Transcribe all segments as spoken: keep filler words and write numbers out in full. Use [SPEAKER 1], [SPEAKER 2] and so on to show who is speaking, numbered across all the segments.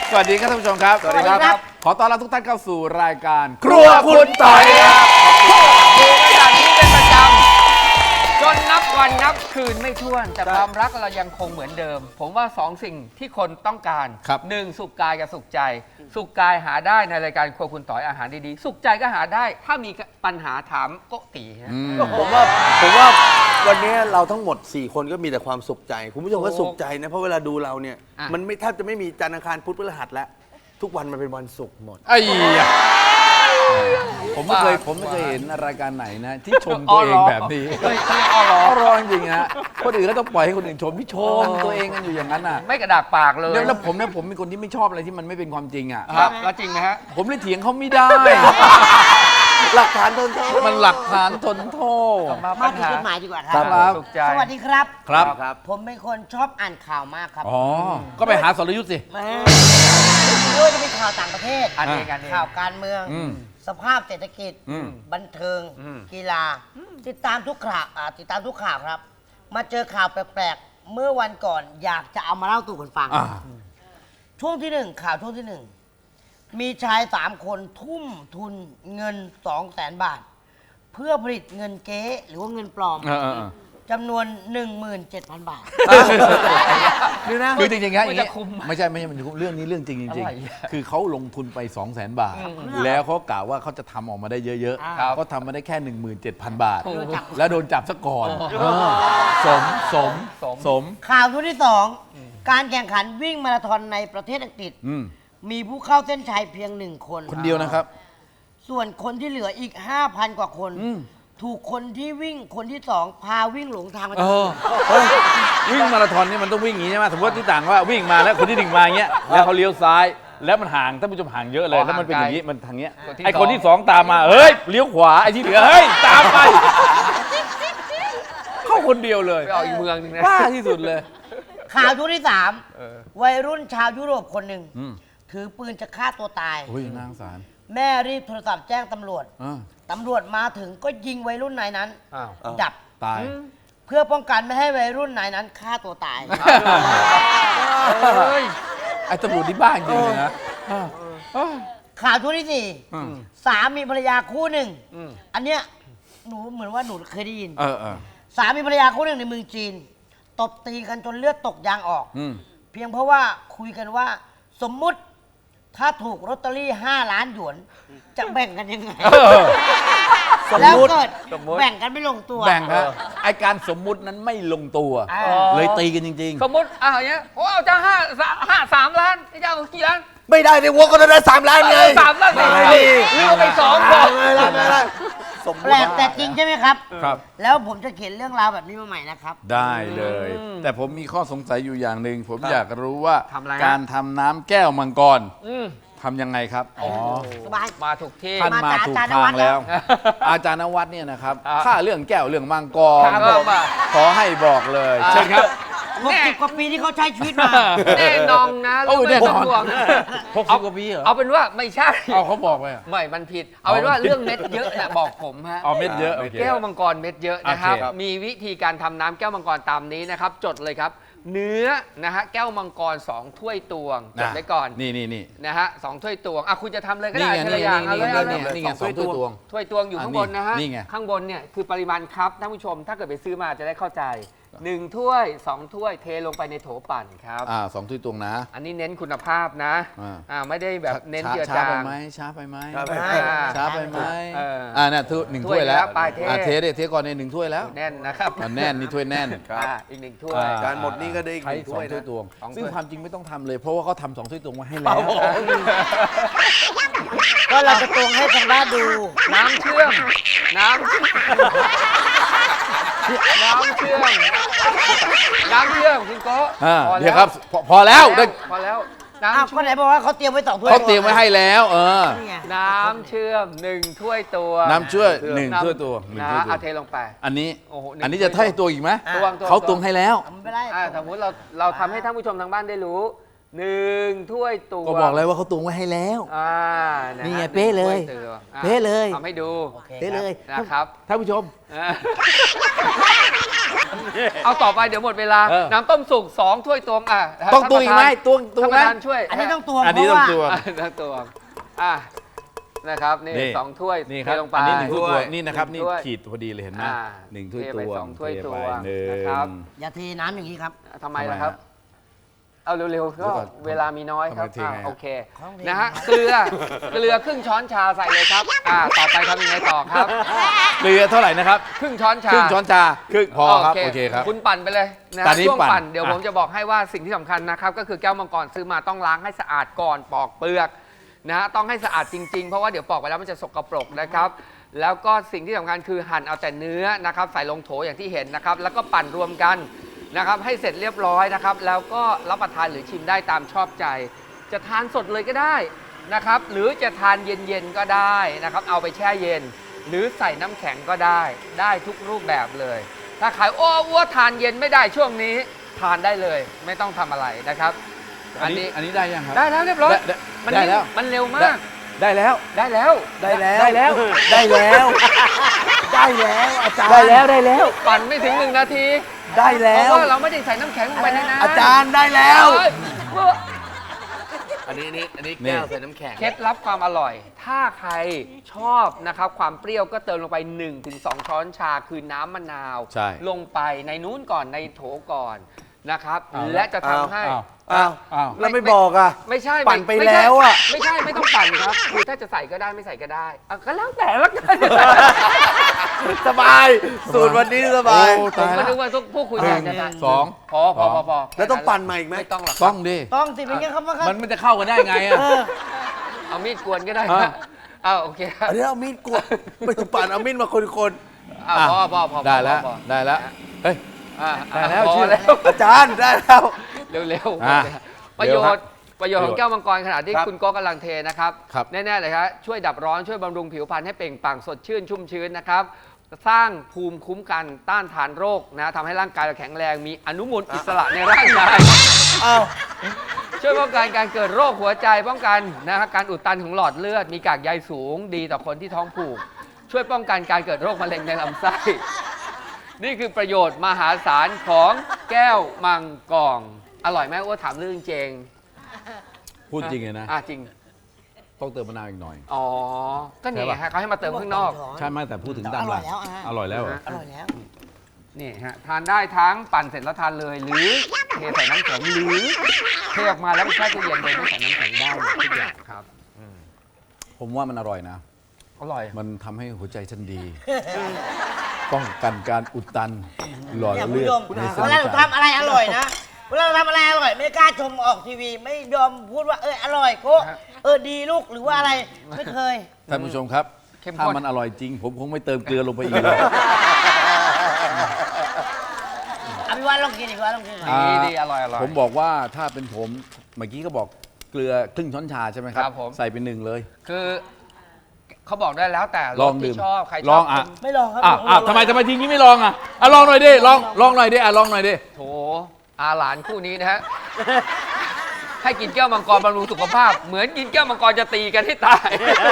[SPEAKER 1] สวัสดีครับท่านผู้ชมครับ
[SPEAKER 2] สวัสดีครับ
[SPEAKER 1] ขอต้อนรับทุกท่านเข้าสู่รายการ
[SPEAKER 2] ครัวคุณต่อยครับ
[SPEAKER 3] ดูกันแบบนี้เป็นประจำจนนับวันนับคืนไม่ถ้วน แต่ความรักเรายังคงเหมือนเดิม ผมว่าสองสิ่งที่คนต้องการหนึ่งสุขกายกับสุขใจ สุขกายหาได้ในรายการครัวคุณต่อยอาหารดีๆสุขใจก็หาได้ถ้ามีปัญหาถามโกตินะ
[SPEAKER 2] ผมว่าผมว่าวันนี้เราทั้งหมดสี่คนก็มีแต่ความสุขใจคุณผู้ชมก็สุขใจนะเพราะเวลาดูเราเนี่ยมันไม่แทบจะไม่มีจันทร์อังคารพุธพฤหัสแล้วทุกวันมันเป็นวันศุกร์หมด
[SPEAKER 1] ไอ้ยะผมไม่เคยผมไม่เคยเห็นรายการไหนนะที่ชมตัวเองแบบนี้
[SPEAKER 3] เฮ้ยอ้อเหรอ
[SPEAKER 1] ก็ร้องจริงฮะคนอื่นก็ต้องปล่อยให้คนอื่นชมพี่ชมตัวเองกันอยู่อย่างนั้นน่ะ
[SPEAKER 3] ไม่กระดากปากเลย
[SPEAKER 1] แล้วผมเนี่ยผมเป็นคนที่ไม่ชอบอะไรที่มันไม่เป็นความจริงอ่ะ
[SPEAKER 3] ครับแล้วจริงไหมฮะ
[SPEAKER 1] ผมเลยเถียงเขาไม่ได้
[SPEAKER 2] หลักฐานทนโทษ
[SPEAKER 1] มันหลักฐานทนโทษ
[SPEAKER 3] มา
[SPEAKER 4] มา
[SPEAKER 3] ปัญ
[SPEAKER 4] ถึง
[SPEAKER 3] หา
[SPEAKER 4] จุดหมายดีกว่าค
[SPEAKER 1] ครั
[SPEAKER 4] รับ
[SPEAKER 1] บ
[SPEAKER 3] สุขใจ
[SPEAKER 4] สวัสดีครับ
[SPEAKER 1] ครับ
[SPEAKER 2] ครับ
[SPEAKER 4] ผมเป็นคนชอบอ่านข่าวมากครับ
[SPEAKER 1] อ๋อก็ไปหาสรยุทธ์สิ
[SPEAKER 4] แม่ไม่ว่าจะเป็นข่าวต่างประเทศ
[SPEAKER 3] อันนี้กันเอง
[SPEAKER 4] ข่าวการเมือง
[SPEAKER 1] อืม
[SPEAKER 4] สภาพเศรษฐกิจ
[SPEAKER 1] อืม
[SPEAKER 4] บันเทิง
[SPEAKER 3] อืม
[SPEAKER 4] กีฬา ติดตามทุกข่าวอ่าติดตามทุกข่าวครับ มาเจอข่าวแปลกๆ เมื่อวันก่อนอยากจะเอามาเล่าสู่กันฟัง
[SPEAKER 1] อ่า
[SPEAKER 4] ช่วงที่หนึ่งข่าวช่วงที่หนึ่งมีชายสามคนทุ่มทุนเงินสองแสนบาท เพื่อผลิตเงินเก๊หรือว่าเงินปลอม
[SPEAKER 1] เออเออเออ
[SPEAKER 4] จำนวน หนึ่งหมื่นเจ็ดพัน บาท
[SPEAKER 1] ดูนะคือจริงๆฮะอย่าง
[SPEAKER 3] มัน
[SPEAKER 1] งี้
[SPEAKER 3] จะคุ้มไหม
[SPEAKER 1] ไม่ใช่ไม่ใช่มันจะคุ้มเรื่องนี้เรื่องจริงจริง
[SPEAKER 3] อะไรอ่ะ
[SPEAKER 1] ๆคือเขาลงทุนไป 2 0 0 0 0 0 บาท
[SPEAKER 3] อืม
[SPEAKER 1] แล้วเขากล่าวว่าเขาจะทำออกมาได้เยอะ
[SPEAKER 3] ครับ
[SPEAKER 1] ๆก็ทำมาได้แค่ หนึ่งหมื่นเจ็ดพัน บาท
[SPEAKER 3] โอ้โห
[SPEAKER 1] แล้วโดนจับซะก่อนเออสมสม
[SPEAKER 3] สม
[SPEAKER 1] สม
[SPEAKER 4] ข่าวช่วงที่สองการแข่งขันวิ่งมาราธอนในประเทศอังกฤษ
[SPEAKER 1] อืม
[SPEAKER 4] มีผู้เข้าเส้นชัยเพียงหนึ่งคน
[SPEAKER 1] คนเดียวนะครับ
[SPEAKER 4] ส่วนคนที่เหลืออีก ห้าพัน กว่าคน
[SPEAKER 1] อืม
[SPEAKER 4] ถูกคนที่วิ่งคนที่สองพาวิ่งหลงทางมา
[SPEAKER 1] เออเฮ้ยวิ่งมาราธอนนี่มันต้องวิ่งอย่างนี้ใช่ไหมสมมติที่ต่างว่าวิ่งมาแล้วคนที่หนึ่งมาอย่างเงี้ยแล้วเขาเลี้ยวซ้าย แล้วมันห่างท่านผู้ชมห่างเยอะเลย
[SPEAKER 3] อ๋อ
[SPEAKER 1] แล้วมันเป็นอย่างนี้
[SPEAKER 3] ห่างไกล
[SPEAKER 1] มันทางเนี้ย
[SPEAKER 3] คนที่
[SPEAKER 1] ไอ้
[SPEAKER 3] สอง
[SPEAKER 1] คนที่สองตามมาเฮ้ยเลี้ยวขวาไอ้ที่เหลือเฮ้ยตามไปเข้าคนเดียวเลย
[SPEAKER 3] ไปออกอีกเมืองหนึงนะ
[SPEAKER 1] บ้าที่สุดเลย
[SPEAKER 4] ข่าวช่วงที่สาม
[SPEAKER 3] เออ
[SPEAKER 4] วัยรุ่นชาวยุโรปคนหนึ่ง
[SPEAKER 1] อืม
[SPEAKER 4] ถือปืนจะฆ่าตัวตาย
[SPEAKER 1] โอ้ยนางสาร
[SPEAKER 4] แม่รีบโทรศัพท์แจ้งตำรวจ
[SPEAKER 1] อ่า
[SPEAKER 4] ตำรวจมาถึงก็ยิงวัยรุ่นนายนั้น
[SPEAKER 3] อ้าว
[SPEAKER 4] ดับ
[SPEAKER 1] ตาย
[SPEAKER 4] เพื่อป้องกันไม่ให้วัยรุ่นนายนั้นฆ่าตัวตาย
[SPEAKER 3] เฮ้ย
[SPEAKER 1] ไอ้ตำรวจที่บ้าจริงเลยนะเออ
[SPEAKER 4] ข่าวช่วงที่สี่
[SPEAKER 1] อืม
[SPEAKER 4] สามีภรรยาคู่หนึ่ง
[SPEAKER 3] อืม
[SPEAKER 4] อันเนี้ยหนูเหมือนว่าหนูเคยได้ยิน
[SPEAKER 1] เออเออ
[SPEAKER 4] สามีภรรยาคู่หนึ่งในเมืองจีน ตบตีกันจนเลือดตกยางออก
[SPEAKER 1] อืม
[SPEAKER 4] เพียงเพราะว่าคุยกันว่าสมมุติถ้าถูกลอตเตอรี่ห้าล้านหยวน จะแบ่งกันยังไง
[SPEAKER 1] เออ
[SPEAKER 4] แล้วเกิด
[SPEAKER 3] สมมุติ
[SPEAKER 4] แบ่งกันไม่ลงตัว
[SPEAKER 1] แบ่งฮะไอการสมมุตินั้นไม่ลงตัว
[SPEAKER 4] อ่า
[SPEAKER 1] เลยตีกันจริง
[SPEAKER 3] สมมติอ่ะอย่างเงี้ยโอ้เอาจะห้าสามห้าสามล้านจะเอากี่ล้าน
[SPEAKER 2] ไม่ได้ในวัวก็ได้สามล้านไง
[SPEAKER 3] เออสามล้าน
[SPEAKER 2] ไม่
[SPEAKER 3] ไม่
[SPEAKER 2] ได้
[SPEAKER 3] เลือกไปสองพอ
[SPEAKER 2] ไม่ได้ไม่ได้สมม
[SPEAKER 4] แปลกแต่จริงใช่ไหมครับ
[SPEAKER 1] ๆ ครับ
[SPEAKER 4] แล้วผมจะเขียนเรื่องราวแบบนี้มาใหม่นะครับ
[SPEAKER 1] ได้เลย
[SPEAKER 3] อืม
[SPEAKER 1] แต่ผมมีข้อสงสัยอยู่อย่างหนึ่งผมอยากรู้ว่า
[SPEAKER 3] ทำอะไรฮะ
[SPEAKER 1] การทำน้ำแก้วมังกร
[SPEAKER 3] อืม
[SPEAKER 1] ทำยังไงครับอ๋อ
[SPEAKER 4] สบาย
[SPEAKER 3] มาถูกที่
[SPEAKER 1] ท่านมา
[SPEAKER 4] มาจาก
[SPEAKER 1] ถูก
[SPEAKER 4] อาจารย์น
[SPEAKER 1] ทา
[SPEAKER 4] วั
[SPEAKER 1] ง
[SPEAKER 4] ดแล้
[SPEAKER 1] แล้ว
[SPEAKER 4] ว
[SPEAKER 1] อาจารย์นวัดเนี่ยนะครับ
[SPEAKER 3] อ่า
[SPEAKER 1] ถ้าเรื่องแก้วเรื่องมังกร
[SPEAKER 3] ครับผมอ่ะ
[SPEAKER 1] ขอให้บอกเลย
[SPEAKER 3] อ่า
[SPEAKER 1] เชิญครับ
[SPEAKER 4] หกสิบกว่าปีที่เขาใช้ชีวิตมา
[SPEAKER 3] แน่นอนนะ
[SPEAKER 1] โอ้
[SPEAKER 3] เรื่อง
[SPEAKER 1] แน่
[SPEAKER 3] ไม่
[SPEAKER 1] นอน
[SPEAKER 3] ต้องห่วง
[SPEAKER 1] หกสิบกว่าปีเหรอ
[SPEAKER 3] เอาเป็นว่าไม่ใช่
[SPEAKER 1] เอาเขาบอกไปอ่ะ
[SPEAKER 3] ไม่มันผิด เอาเป็นว่าเรื่องเม็ดเยอะนะบอกผมฮะ
[SPEAKER 1] เอาเม็ดเยอะโอเค
[SPEAKER 3] แก้วมังกรเม็ดเยอะนะครับ
[SPEAKER 1] โอเคครับ
[SPEAKER 3] มีวิธีการทำน้ำแก้วมังกรตามนี้นะครับ จดเลยครับ เนื้อนะฮะแก้วมังกรสองถ้วยตวงจดไว้ก่อน
[SPEAKER 1] นี่นี่นี่
[SPEAKER 3] นะฮะสองถ้วยตวงอ่ะคุณจะทำเลยก็
[SPEAKER 1] นี่
[SPEAKER 3] ได้
[SPEAKER 1] ไง
[SPEAKER 3] ที
[SPEAKER 1] นี่
[SPEAKER 3] ละ
[SPEAKER 1] ไง
[SPEAKER 3] อย่างเอา
[SPEAKER 1] นี่
[SPEAKER 3] เลย
[SPEAKER 1] ไง
[SPEAKER 3] เอาเล
[SPEAKER 1] นี่
[SPEAKER 3] ย
[SPEAKER 1] ไงนี่ไงสองถ้วยตวง
[SPEAKER 3] ถ้วยตวงอยู่
[SPEAKER 1] อัน
[SPEAKER 3] ข้าง
[SPEAKER 1] นี้
[SPEAKER 3] บนนะฮะ
[SPEAKER 1] นี่ไง
[SPEAKER 3] ข้างบนเนี่ยคือปริมาณครับท่านผู้ชมถ้าเกิดไปซื้อมาจะได้เข้าใจหนึ่งถ้วยสองถ้วยเทลงไปในโถปั่นครับ
[SPEAKER 1] อ่าสองถ้วยตวงนะ
[SPEAKER 3] อันนี้เน้นคุณภาพนะ
[SPEAKER 1] อ่า
[SPEAKER 3] อ่าไม่ได้แบบเน้น
[SPEAKER 1] ช้า
[SPEAKER 3] เจือ
[SPEAKER 1] ช้า
[SPEAKER 3] จา
[SPEAKER 1] ไป
[SPEAKER 3] ง
[SPEAKER 1] ไหมช้าไปไหม
[SPEAKER 2] ครับ
[SPEAKER 3] อ่า
[SPEAKER 1] ช้าไปไหม
[SPEAKER 3] เอออ่
[SPEAKER 1] อ่าเนี่ยถ้วยหนึ่ง
[SPEAKER 3] ถ้
[SPEAKER 1] ถ้
[SPEAKER 3] ว
[SPEAKER 1] วย ยแล้ว
[SPEAKER 3] แล้วไปเท
[SPEAKER 1] อ่าเทได้เทก่อนในหนึ่งถ้วยแล้ว
[SPEAKER 3] แน่นนะครับ
[SPEAKER 1] อ่าแน่นนี่ถ้วยแน่น
[SPEAKER 2] ครับ
[SPEAKER 3] อ่าอีกหนึ่งถ้วย
[SPEAKER 1] อ่
[SPEAKER 2] การหมดนี่ก็ได้อีกห
[SPEAKER 1] ใช้
[SPEAKER 2] นึ่ง
[SPEAKER 1] ส
[SPEAKER 2] ถ้
[SPEAKER 1] อง
[SPEAKER 2] วย
[SPEAKER 1] ถ้วย
[SPEAKER 2] นะ
[SPEAKER 1] ตวง
[SPEAKER 3] สองถ้วย
[SPEAKER 1] ซึ่งความจริงไม่ต้องทำเลย เพราะว่าเขาทำสองถ้วยตวงมาให้แล้ว
[SPEAKER 4] ก็เราจะตรงให้ทางบ้านดู
[SPEAKER 3] น้ำเชื่อม น้ำเชื่อมน้ำเชื่อม น้ำเชื่อมคุณโก้
[SPEAKER 1] อ่า
[SPEAKER 3] พอ
[SPEAKER 1] เดี๋
[SPEAKER 3] แล้
[SPEAKER 1] ยว วครับพอพอแล้วได้
[SPEAKER 3] พอแล้ว
[SPEAKER 4] อ้าว
[SPEAKER 3] น้ำ
[SPEAKER 4] ก็
[SPEAKER 3] เชื่อม
[SPEAKER 4] ไหนบอกว่าเขาเตรียมไว้สองถ้วย
[SPEAKER 1] เขาเตรียมไว้ให้แล้ว เออ
[SPEAKER 4] นี่ไง
[SPEAKER 3] น้ำเชื่อมหนึ่งถ้วยตัว
[SPEAKER 1] น้ำช่วยหนึ่งถ้วยตวงหนึ่ง
[SPEAKER 3] นะ
[SPEAKER 1] ถ้วยตว
[SPEAKER 3] เอา
[SPEAKER 1] ง
[SPEAKER 3] เทลงไป
[SPEAKER 1] อันนี้
[SPEAKER 3] โอ้โหหนึ่ง
[SPEAKER 1] อันนี้จะให้ตัวอีกไหม
[SPEAKER 3] ตวงตัว
[SPEAKER 1] เขาตวงให้แล้ว
[SPEAKER 4] ทำไม่ได้
[SPEAKER 3] อ่าสมมติเราเราทำให้ท่านผู้ชมทางบ้านได้รู้หนึ่งถ้วยตวง
[SPEAKER 2] ก็บอกเลยว่าเขาตวงไว้ให้แล้ว
[SPEAKER 3] อ่านะ
[SPEAKER 2] นี่ไง
[SPEAKER 3] ฮะ
[SPEAKER 2] เป๊ะเลย
[SPEAKER 3] หนึ่งถ้วตวงอ่ะ
[SPEAKER 2] เป๊ะเลย
[SPEAKER 3] ทำให้ดู
[SPEAKER 4] โอเค
[SPEAKER 2] ได้เลย
[SPEAKER 3] นะครับ
[SPEAKER 2] ท่านผู้ชม
[SPEAKER 3] อ่าเอาต่อไปเดี๋ยวหมดเวลา
[SPEAKER 1] เออ
[SPEAKER 3] น้ำต้มสุกสองถ้วยตวงอ่ะ
[SPEAKER 2] ต้องตวงอีกไหมตวงตวง
[SPEAKER 3] ท่านป
[SPEAKER 2] นะ
[SPEAKER 3] ระธานช่วย
[SPEAKER 4] อันนี้ต้องตวง
[SPEAKER 1] อัน
[SPEAKER 4] เพ
[SPEAKER 1] นี้
[SPEAKER 4] ราะ
[SPEAKER 1] ต้อง
[SPEAKER 4] ว่า
[SPEAKER 1] ตวง
[SPEAKER 3] อ่ะต้องตวงอ่ะนะครับนี่
[SPEAKER 1] นี่
[SPEAKER 3] สองถ้วย
[SPEAKER 1] นี่ครับ
[SPEAKER 3] เทลงไป
[SPEAKER 1] อันนี้หนึ่งถ้วยตวงนี่นะครับ
[SPEAKER 3] ห
[SPEAKER 1] นี่
[SPEAKER 3] ถ้วย
[SPEAKER 1] ขีดพอดีเลยเห็นไหม
[SPEAKER 3] อ่า
[SPEAKER 1] หนึ่งถ้วย
[SPEAKER 3] เท
[SPEAKER 1] ต
[SPEAKER 3] ไป
[SPEAKER 1] วง
[SPEAKER 3] สองถ้วย
[SPEAKER 1] เท
[SPEAKER 3] ต
[SPEAKER 1] ไป
[SPEAKER 3] วง
[SPEAKER 1] หนึ่ง
[SPEAKER 3] นะครับ
[SPEAKER 4] อย่าเทน้ำอย่างนี้ครับ
[SPEAKER 3] ทำไม
[SPEAKER 1] ทำไม
[SPEAKER 3] ล่ะครับ
[SPEAKER 1] ฮะ
[SPEAKER 3] เอาเร็วๆ
[SPEAKER 1] เดี๋
[SPEAKER 3] ก็
[SPEAKER 1] ยวก่อน
[SPEAKER 3] เวลามีน้อยครับ
[SPEAKER 1] ทำไมทิ้ง
[SPEAKER 3] อ่ะ
[SPEAKER 1] ไงฮะ
[SPEAKER 3] โอเค
[SPEAKER 4] ของเท
[SPEAKER 3] นะฮะเกลือเกลือครึ่งช้อนชาใส่เลยครับอ่าต่อไปทำยังไงต่อครับ
[SPEAKER 1] เกลือเท่าไหร่นะครับ
[SPEAKER 3] ครึ่งช้อนชา
[SPEAKER 1] ครึ่งช้อนชาครึ่งพอครับโอเคครับ
[SPEAKER 3] คุณปั่นไปเลยนะ
[SPEAKER 1] ตอนนี้
[SPEAKER 3] ช่วง
[SPEAKER 1] ปั่น
[SPEAKER 3] ปั่นเดี๋ยว
[SPEAKER 1] อ่ะ
[SPEAKER 3] ผมจะบอกให้ว่าสิ่งที่สำคัญนะครับก็คือแก้วมังกรซื้อมาต้องล้างให้สะอาดก่อนปอกเปลือกนะฮะต้องให้สะอาดจริงๆเพราะว่าเดี๋ยวปอกไปแล้วมันจะสกปรกนะครับแล้วก็สิ่งที่สำคัญคือหั่นเอาแต่เนื้อนะครับใส่ลงโถอย่างที่เห็นนะครับแล้วก็ปั่นรวมกันนะครับให้เสร็จเรียบร้อยนะครับแล้วก็รับประทานหรือชิมได้ตามชอบใจ จะทานสดเลยก็ได้นะครับหรือจะทานเย็นๆก็ได้นะครับเอาไปแช่เย็น หรือใส่น้ำแข็งก็ได้ได้ทุกรูปแบบเลย ถ้าขายโอ้อ้วทานเย็นไม่ได้ช่วงนี้ทานได้เลย ไม่ต้องทำอะไรนะครับ
[SPEAKER 1] อันนี้อันนี้ได้ยังครับ
[SPEAKER 3] ได้แล้วเรียบร้อย
[SPEAKER 1] ได้
[SPEAKER 3] มัน
[SPEAKER 1] ได้แล้ว
[SPEAKER 3] มันเร็วมาก
[SPEAKER 1] ได้แล้ว
[SPEAKER 3] ได้แล้ว
[SPEAKER 2] ได้แล้ว
[SPEAKER 1] ได้แล้ว
[SPEAKER 2] ได้แล้ว ได้แล้วอาจารย์
[SPEAKER 1] ได้แล้วได้แล้ว
[SPEAKER 3] ปั่นไม่ถึงหนึ่งนาที
[SPEAKER 2] ได้แล้
[SPEAKER 3] เพ
[SPEAKER 2] ว
[SPEAKER 3] ราะว่าเราไม่ได้ใส่น้ำแข็งลงไปในน้ำ
[SPEAKER 2] อาจารย์ได้แล้ว
[SPEAKER 3] เอ้ยเมื่อ
[SPEAKER 2] อันนี้นี่อันนี้
[SPEAKER 1] นี่
[SPEAKER 2] แก้วใส่น้ำแข็ง
[SPEAKER 3] เคล็ดลับความอร่อย ถ้าใครชอบนะครับความเปรี้ยวก็เติมลงไป หนึ่งถึงสอง ช้อนชาคือน้ำมะนาว
[SPEAKER 1] ใช่
[SPEAKER 3] ลงไปในนู้นก่อนในโถก่อนนะครับ
[SPEAKER 1] เอาละ
[SPEAKER 3] และจะทำให้
[SPEAKER 1] อ้าว
[SPEAKER 2] อ้าว
[SPEAKER 1] อ้าว
[SPEAKER 2] แล้วไม่บอกอ่ะ
[SPEAKER 3] ไม่ใช่
[SPEAKER 2] ปั่นไป
[SPEAKER 3] ม่ใช่
[SPEAKER 2] แล้วอะ
[SPEAKER 3] ไม่ใช่ไม่ต้องปั่นครับคือถ้าจะใส่ก็ได้ไม่ใส่ก็ได้อ่ะก็แล้วแต่ละกัน
[SPEAKER 2] สบาย สูตรวันนี้สบาย
[SPEAKER 1] โอ้
[SPEAKER 3] ผม
[SPEAKER 1] ตาย
[SPEAKER 3] ก็
[SPEAKER 1] แล้ว
[SPEAKER 3] นึกว่าทุกผู้คุย
[SPEAKER 1] ห
[SPEAKER 3] กั
[SPEAKER 1] นึ่
[SPEAKER 3] น
[SPEAKER 1] ง
[SPEAKER 3] จะ
[SPEAKER 1] สอง
[SPEAKER 3] พอพอพอพอ
[SPEAKER 2] แล้วต้องปั่นมาอีกไหม
[SPEAKER 3] ไม่ต้องหรอก
[SPEAKER 1] ต้องดิ
[SPEAKER 4] ต้องสิเป็นยังครับว่าครับ
[SPEAKER 1] มันมันจะเข้ากันได้ไงอ่ะ
[SPEAKER 4] เออ
[SPEAKER 3] เอามีดกวนก็ได้
[SPEAKER 1] อ่ะ
[SPEAKER 3] นะเอาโอเคครับ
[SPEAKER 2] อันนี้เอามีดกวดไม่ต้องปั่นเอามีดมาคน
[SPEAKER 3] อ่ะพอพอพอพอ
[SPEAKER 1] ได้แล้ว
[SPEAKER 3] พอ
[SPEAKER 1] ได้แล้วเฮ้ย
[SPEAKER 3] อ่ะ
[SPEAKER 1] ได้แล้ว
[SPEAKER 3] พอ
[SPEAKER 1] ชื่อ
[SPEAKER 3] แล้ว
[SPEAKER 2] ๆอาจารย์ได้แล้ว
[SPEAKER 3] เร็วๆ
[SPEAKER 1] อ่ะ
[SPEAKER 3] ประโย
[SPEAKER 1] เร็วครั
[SPEAKER 3] ช
[SPEAKER 1] บ
[SPEAKER 3] น์ประโยชน์ของแก้วมังกรขณะที่
[SPEAKER 2] ครับ
[SPEAKER 3] คุณโก็กำลังเทนะครับ
[SPEAKER 1] ครับ
[SPEAKER 3] แน่ๆเลยครับช่วยดับร้อนช่วยบำรุงผิวพรรณให้เปล่งปลั่งสดชื่นชุ่มชื้นนะครับ สร้างภูมิคุ้มกันต้านทานโรคนะทำให้ร่างกายเราแข็งแรงมีอนุมูลอิสระในร่างกาย
[SPEAKER 2] อ้าว
[SPEAKER 3] ช่วยป้องกันการเกิดโรคหัวใจป้องกันนะครับการอุดตันของหลอดเลือด มีกากใยสูงดีต่อคนที่ท้องผูก ช่วยป้องกันการเกิดโรคมะเร็งในลำไส้ นี่คือประโยชน์มหาศาลของแก้วมังกรอร่อยไหมอ้วนถามเรื่องจริง
[SPEAKER 1] พูดจริงเลยนะ
[SPEAKER 3] อ่ะจริง
[SPEAKER 1] ต้องเติมมะนาวอีกหน่อย
[SPEAKER 3] อ๋อ ก็นี่
[SPEAKER 1] ใช่ปะ
[SPEAKER 3] ฮะเขาให้มาเติมข้างนอก
[SPEAKER 1] ใช่ไหมแต่พูดถึงตาม
[SPEAKER 4] อ
[SPEAKER 1] ห
[SPEAKER 4] ร่
[SPEAKER 1] ลั
[SPEAKER 4] อก ยแล้วอ่ะ
[SPEAKER 1] อร่อยแล้วเหรอ
[SPEAKER 4] อร่อยแล้ว
[SPEAKER 3] นี่ฮะทานได้ทั้งปั่นเสร็จแล้วทานเลย หรือเทใส่น้ำแข็งหรือเทออกมาแล้วไปแช่ตู้เย็นโดยไม่ใส่น้ำแข็งได้หมดทุกอย่างครับ
[SPEAKER 1] ผมว่ามันอร่อยนะ
[SPEAKER 3] อร่อย
[SPEAKER 1] มันทำให้หัวใจฉันดี ป้องกันการอุดตันหลอด
[SPEAKER 4] เนี่ยคุณ
[SPEAKER 1] เลือ
[SPEAKER 4] ผู้
[SPEAKER 1] ด
[SPEAKER 4] ชม
[SPEAKER 1] ในเส้
[SPEAKER 4] เวน ลาเรา
[SPEAKER 1] ประสาท
[SPEAKER 4] ทำอะไรอร่อยนะเวลาเราทำอะไรอร่อย ไม่กล้าชมออกทีวี ไม่ยอมพูดว่าเอออร่อยโก็
[SPEAKER 3] ฮะ
[SPEAKER 4] เออดีลูกหรือว่าอะไรไม่เคย
[SPEAKER 1] ท่านผู้ชมครับ
[SPEAKER 3] เข้มข้น
[SPEAKER 1] ถ้ามันอร่อยจริง ผมคงไม่เติมเกลือลงไปอีกเลย
[SPEAKER 4] อภิวัตลองกินอีกว่าลองกินหน่อย
[SPEAKER 1] อ่า
[SPEAKER 3] ดีดีอร่อยอร่อย
[SPEAKER 1] ผมบอกว่าถ้าเป็นผมเมื่อกี้ก็บอกเกลือครึ่งช้อนชาใช่ไหมครับ
[SPEAKER 3] ครับผม
[SPEAKER 1] ใส่เป็นหนึ่งเลย
[SPEAKER 3] คือเขาบอกได้แล้วแต่ร
[SPEAKER 1] ลอ
[SPEAKER 3] ส
[SPEAKER 1] งดื่
[SPEAKER 3] ที่
[SPEAKER 1] ม
[SPEAKER 3] ชอบใครช
[SPEAKER 1] ล
[SPEAKER 3] อ
[SPEAKER 1] อบ งอ่ะ
[SPEAKER 3] คุณ
[SPEAKER 4] ไม่ลองครับ
[SPEAKER 1] อ้าวอ้าวทำไมทำไมทีนี้ไม่ลองอ่ะอ่ะลองหน่อยดิลองลองหน่อยดิอ่ะลองหน่อยดิ
[SPEAKER 3] โถอาหลานคู่นี้นะฮะ ให้กินแก้วมังกรบำรุงสุขภาพ เหมือนกินแก้วมังกรจะตีกันให้ตาย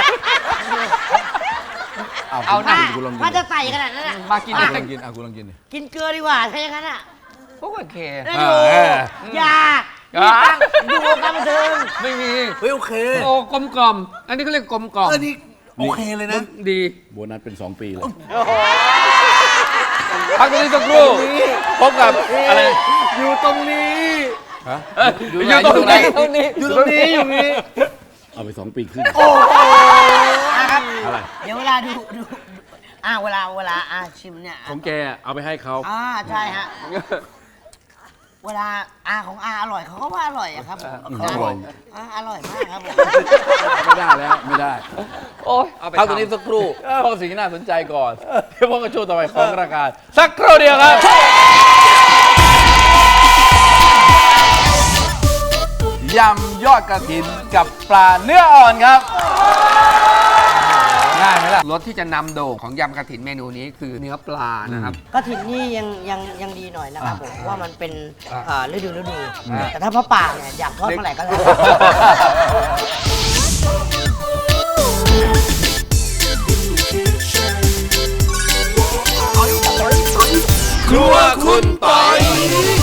[SPEAKER 1] เอา
[SPEAKER 3] เอาหน้า
[SPEAKER 1] คุณลองกิน
[SPEAKER 4] ถ้า
[SPEAKER 1] ดิ
[SPEAKER 4] จะใส่ขนาดนั้นอ่ะ
[SPEAKER 3] มากิน
[SPEAKER 1] อ่ะ
[SPEAKER 3] ด้วย
[SPEAKER 1] คุณลองกินอ่ะคุณลองกินดิ
[SPEAKER 4] กินเกลือดีกว่าถ้าอย่างนั้นอ่ะ
[SPEAKER 3] พวกโอเค
[SPEAKER 4] นั่น
[SPEAKER 1] อ่า
[SPEAKER 4] ดู
[SPEAKER 1] เออ
[SPEAKER 4] อย่า
[SPEAKER 3] อ่า
[SPEAKER 4] มีตังค์ดูการบันเทิง
[SPEAKER 3] ไม่มี
[SPEAKER 2] เฮ้ยโอเค
[SPEAKER 3] โอ้กลมกล่อม อันนี้เขาเรียกกลมกล่อม
[SPEAKER 2] เออนี่โอเคเลยนะ
[SPEAKER 3] ดี
[SPEAKER 1] โบนัสเป็นสองปีเลย
[SPEAKER 3] พักตรงนี้สักครู่พบกับอะไร
[SPEAKER 2] อยู่ตรงนี้
[SPEAKER 1] ฮะ
[SPEAKER 3] อยู่ตรงนี้ตรงนี้
[SPEAKER 2] อยู่ตรงนี้อยู่ตรงนี้
[SPEAKER 1] เอาไปสองปีขึ้น
[SPEAKER 4] นะครับ
[SPEAKER 1] อะไร
[SPEAKER 4] เดี๋ยวเวลาดูดูอ่าเวลาเวลาอ่าชิมเนี่ย
[SPEAKER 1] ของแกเอาไปให้เขา
[SPEAKER 4] อ่าใช่ฮะ เวลาอาของอาอร่อยเขาก็ว่าอร่อยอะครับผม
[SPEAKER 1] อร่อย
[SPEAKER 4] อ่าอร่อยมากครับผม
[SPEAKER 1] ไม่ได้แล้วไม่ได้
[SPEAKER 3] โอ้ยเอาไป
[SPEAKER 1] เอาตัวนี้สักครู่เพราะสิ่งที่น่าสนใจก่อนเดี๋ยวพบกับช่วงต่อไปของรายการสักครู่เดียวครับยำยอดกระถินกับปลาเนื้ออ่อนครับ แหมง่ายไหมล่ะ
[SPEAKER 3] รสที่จะนำโด่งของยำกระถินเมนูนี้คือเนื้อปลานะครับ
[SPEAKER 4] กระถินนี่ยังยังยังดีหน่อยนะครับผมเพราะว่ามันเป็น
[SPEAKER 3] อ่า
[SPEAKER 4] เอ่อฤดูฤดูแต่ถ้าพระป่าเนี่ยอยากทอดเมื่อไหร่ก็ได้
[SPEAKER 2] ครัวคุณปอย